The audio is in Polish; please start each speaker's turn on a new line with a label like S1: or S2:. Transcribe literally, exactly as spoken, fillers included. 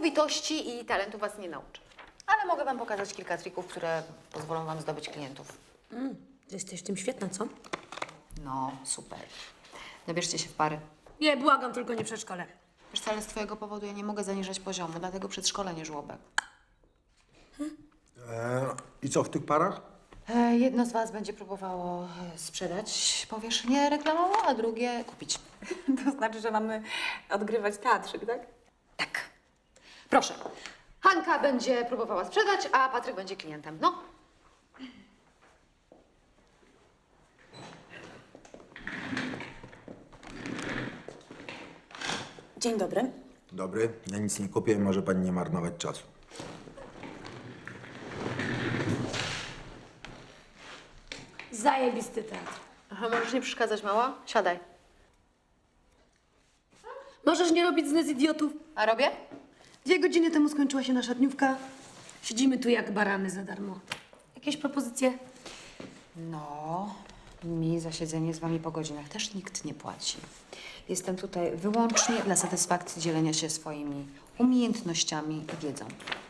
S1: pracowitości i talentu was nie nauczę. Ale mogę wam pokazać kilka trików, które pozwolą wam zdobyć klientów.
S2: Mm, jesteś w tym świetna, co?
S1: No, super. Nabierzcie się w pary.
S2: Nie, błagam, tylko nie przedszkole.
S1: Wiesz co, ale z twojego powodu ja nie mogę zaniżać poziomu, dlatego przedszkolenie żłobek.
S3: Eee, I co w tych parach?
S1: E, jedno z was będzie próbowało e, sprzedać powierzchnię reklamową, a drugie kupić.
S4: To znaczy, że mamy odgrywać teatrzyk, tak?
S1: Tak. Proszę. Hanka będzie próbowała sprzedać, a Patryk będzie klientem. No.
S4: Dzień dobry.
S3: Dobry, ja nic nie kupię, może pani nie marnować czasu.
S2: Zajebisty teatr.
S1: Aha, możesz nie przeszkadzać, mała? Siadaj.
S2: Możesz nie robić z nas idiotów.
S1: A robię?
S2: Dwie godziny temu skończyła się nasza dniówka. Siedzimy tu jak barany za darmo. Jakieś propozycje?
S1: No, mi za siedzenie z wami po godzinach też nikt nie płaci. Jestem tutaj wyłącznie dla satysfakcji dzielenia się swoimi umiejętnościami i wiedzą.